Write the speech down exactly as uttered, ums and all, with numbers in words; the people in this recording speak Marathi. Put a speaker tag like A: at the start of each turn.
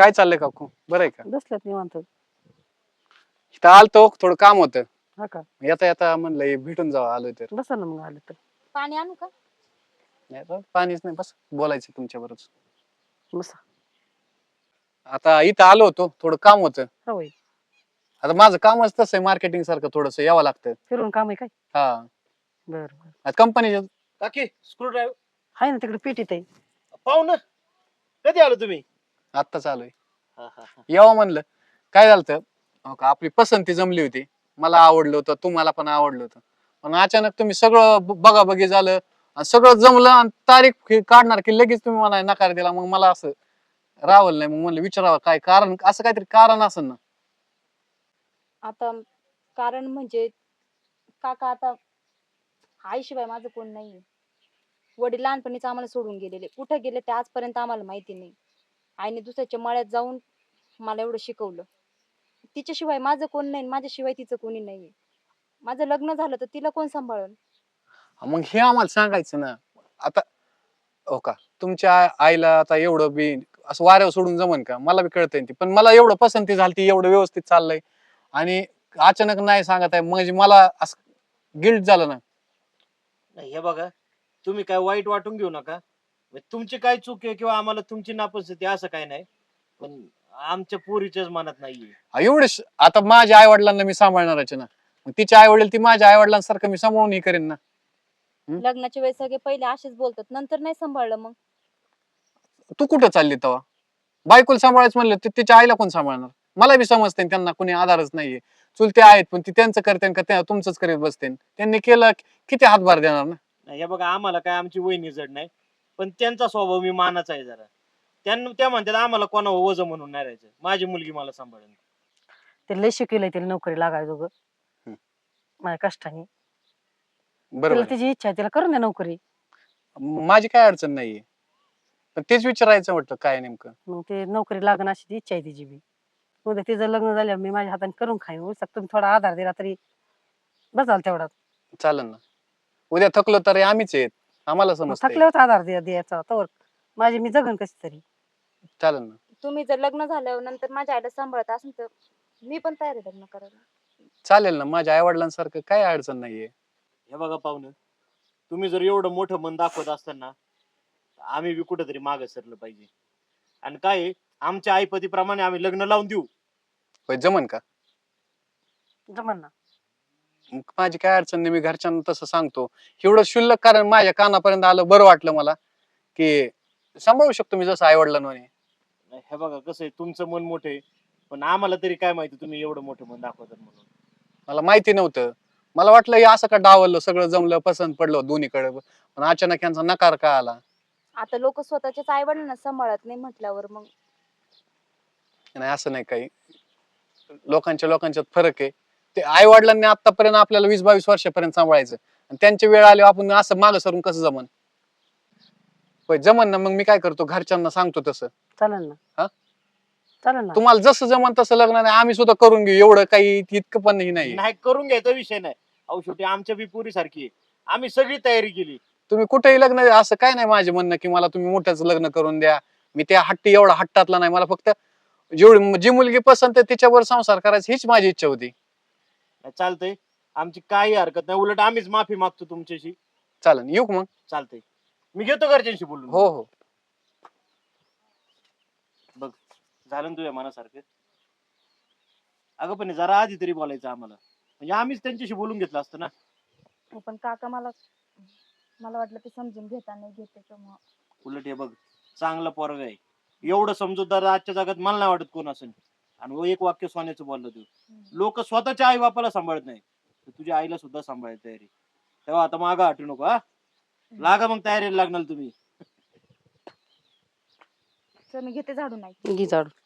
A: काय चाललंय काकू, बरं आहे का?
B: बसल्यात निवांत.
A: इथं आलतो, थोडं काम होतं.
B: हा का?
A: येता येता म्हणलं हे भेटून जावं, आलोय तर.
B: बसा ना मग आलं तर.
C: पाणी आणू का?
A: नाही तर पाणीच नाही, बस बोलायचं तुमच्या बरोबर.
B: बसा.
A: आता इथं आलो होतो, थोडं काम होतं.
B: होय.
A: आता माझं कामच तसं आहे, मार्केटिंग सारखं थोडस यावं लागतं.
B: फिरून काम आहे काय?
A: हा,
B: बर बर.
A: आता कंपनीच्या
D: काकी स्क्रू ड्रायव्हर
B: आहे ना तिकडे पेटीत आहे.
D: पाहू ना. कधी आलो तुम्ही?
A: आत्ताच आलोय.
D: हा, हा, हा.
A: यावं म्हणलं. काय झालं, हो का, आपली पसंती जमली होती. मला आवडलं होतं, तुम्हाला पण आवडलं होतं. पण अचानक तुम्ही सगळं बघा बघी झालं आणि सगळं जमलं आणि तारीख हे काढणार की लगेच तुम्ही मला नकार दिला. मग मला असं रावलं नाही, मग म्हणलं विचारावं काय कारण, असं काहीतरी कारण असेल ना.
C: आता कारण म्हणजे काका, आता आईशिवाय माझं कोण नाहीये. वडील लहानपणीच आम्हाला सोडून गेलेले, कुठे गेले ते आजपर्यंत आम्हाला माहिती नाही. आईने दुसऱ्याच्या मळ्यात जाऊन मला एवढं शिकवलं. तिच्याशिवाय माझं कोण नाही, माझ्याशिवाय तिचं कोणी नाहीये. माझं लग्न झालं तर तिला कोण सांभाळन?
A: मग हे आम्हाला सांगायचं ना. आता हो का, तुमच्या आईला आता एवढं बी असं वाऱ्यावर सोडून जमन का? मला बी कळतंय ती, पण मला एवढं पसंती झाली, एवढं व्यवस्थित चाललंय आणि अचानक नाही सांगत आहे म्हणजे मला असं गिल्ट झालं ना.
D: नाही, हे बघा, तुम्ही काय वाईट वाटून घेऊ नका. म्हणजे तुमची काय चूक आहे किंवा आम्हाला तुमची नापसंती असं काय नाही, पण आमच्या पोरीच्याच मनात नाहीये.
A: हा, एवढे स- आता माझ्या आई वडिलांना मी सांभाळणारच ना. मग तिचे आई वडील ती माझ्या आई वडिलांसारखं मी सांभाळून हे करेन ना.
C: लग्नाच्या वेळेस सगळे पहिले असेच बोलतात, नंतर नाही सांभाळलं मग.
A: तू कुठं चालली तेव्हा? बायकोला सांभाळायचं म्हणलं तर तिच्या आईला कोण सांभाळणार? मला बी समजते त्यांना कुणी आधारच नाहीये. चुलते आहेत पण ती त्यांचं करते का त्या तुमचंच करीत बसते. त्यांनी केलं की किती हातभार देणार ना.
D: नाही, हे बघा, आम्हाला काय आमची वहिनी जड नाही, पण त्यांचा स्वभाव मी मानाचा आहे जरा. त्यांना त्या म्हणतात आम्हाला कोणावर वजन म्हणून नाही राहायचं, माझी मुलगी मला सांभाळेल.
B: ते लय शिकेलंय तिला नोकरी लागायचं ग.
A: हम्म.
B: माझ्या कष्टाने.
A: बरोबर
B: तिला
A: आहे.
B: तिची इच्छा आहे, तिला करून द्या नोकरी.
A: माझी काय अडचण नाहीये, पण तेच विचारायचं म्हटलं काय नेमकं.
B: मग ते नोकरी लागण अशी ती इच्छा आहे तिची बी. उद्या तिचं लग्न झाल्यावर मी माझ्या हाताने करून खाईन. उलट तुम्ही थोडा आधार दिला तरी बसाल तेवढा.
A: चालेल ना. उद्या थकलो तर आम्हीच आहेत, आम्हाला
B: मग
A: समजतंय.
B: थकल्यावर आधार द्या द्यायचा तवर माझी मी जगन कशी तरी.
A: चालेल ना.
C: तुम्ही जर लग्न झाल्यावर नंतर माझ्या आईला सांभाळत असेल तर मी पण तयार आहे लग्न करायला.
A: चालेल ना, माझ्या आई वडिलांसारखं काय अडचण नाहीये.
D: हे बघा पाहुणं, तुम्ही जर एवढं मोठं मन दाखवत असताना आम्ही बी कुठेतरी मागे सरलं पाहिजे. आणि काय आहे, आमच्या आईपतीप्रमाणे आम्ही लग्न लावून देऊ.
A: होय, जमन का?
B: जमन ना.
A: मग माझी काय अडचण नाही, मी घरच्यांना तसं सांगतो. एवढं क्षुल्लक कारण माझ्या कानापर्यंत आलं, बरं वाटलं मला की सांभाळू शकतो मी जसं आई वडिलांनी.
D: नाही, हे बघा कसं आहे, तुमचं मन मोठं आहे, पण आम्हाला तरी काय माहिती तुम्ही एवढं मोठं मन दाखवतात म्हणून.
A: मला माहिती नव्हतं. मला वाटलं हे असं का डावललं, सगळं जमलं, पसंत पडलं दोन्हीकडे, पण अचानक यांचा नकार का आला.
C: आता लोक स्वतःच्याच आई वडिलांना सांभाळत नाही म्हटल्यावर मग
A: नाही असं नाही, काही लोकांच्या लोकांच्यात फरक आहे. ते आई वडिलांनी आतापर्यंत आपल्याला वीस बावीस वर्षापर्यंत सांभाळायचं आणि त्यांची वेळ आली आपण असं मागं सरून कसं जमन? होय जमन ना. मग मी काय करतो, घरच्यांना सांगतो तसं.
B: चालेल ना.
A: हा?
B: चालेल ना.
A: तुम्हाला जसं जमन तसं लग्न नाही, आम्ही सुद्धा करून घेऊ, एवढं काही इतकं पण नाही.
D: नाही, करून घ्यायचा विषय नाही. अहो शेवटी आमच्या बी पोरी सारखी आहे, आम्ही सगळी तयारी केली.
A: तुम्ही कुठेही लग्न, असं काय नाही माझे म्हणणं की मला तुम्ही मोठ्याच लग्न करून द्या. मी त्या हट्टी एवढा हट्टातला नाही. मला फक्त जेवढी जी मुलगी पसंत आहे तिच्यावर संसार करायची हीच माझी इच्छा होती.
D: नाही, चालतंय, आमची काही हरकत नाही. उलट आम्हीच माफी मागतो तुमच्याशी.
A: चालेल, येऊ का मग?
D: चालतंय, मी घेतो घरच्यांशी बोलून.
A: हो हो.
D: बघ, झालं ना तुझ्या मनासारखं. अगं पण जरा आधी तरी बोलायचं आम्हाला, म्हणजे आम्हीच त्यांच्याशी बोलून घेतलं असतं ना.
C: पण काका मला मला वाटलं ते समजून घेता नाही घेत त्याच्यामुळं.
D: उलट हे बघ, चांगला पोरगा आहे, एवढं समजूतदार आजच्या जगात मला नाही वाटत कोण असेल. आणि वो एक वाक्य सोन्याचं बोललं तू, लोक स्वतःच्या आई बापाला सांभाळत नाही, तर तुझ्या आईला सुद्धा सांभाळायची तयारी. तेव्हा आता मागं हटू नको. हा, लागा मग तयारीला लागणार तुम्ही.
C: तर मी घेते झाडू नाही
B: घे झाडू.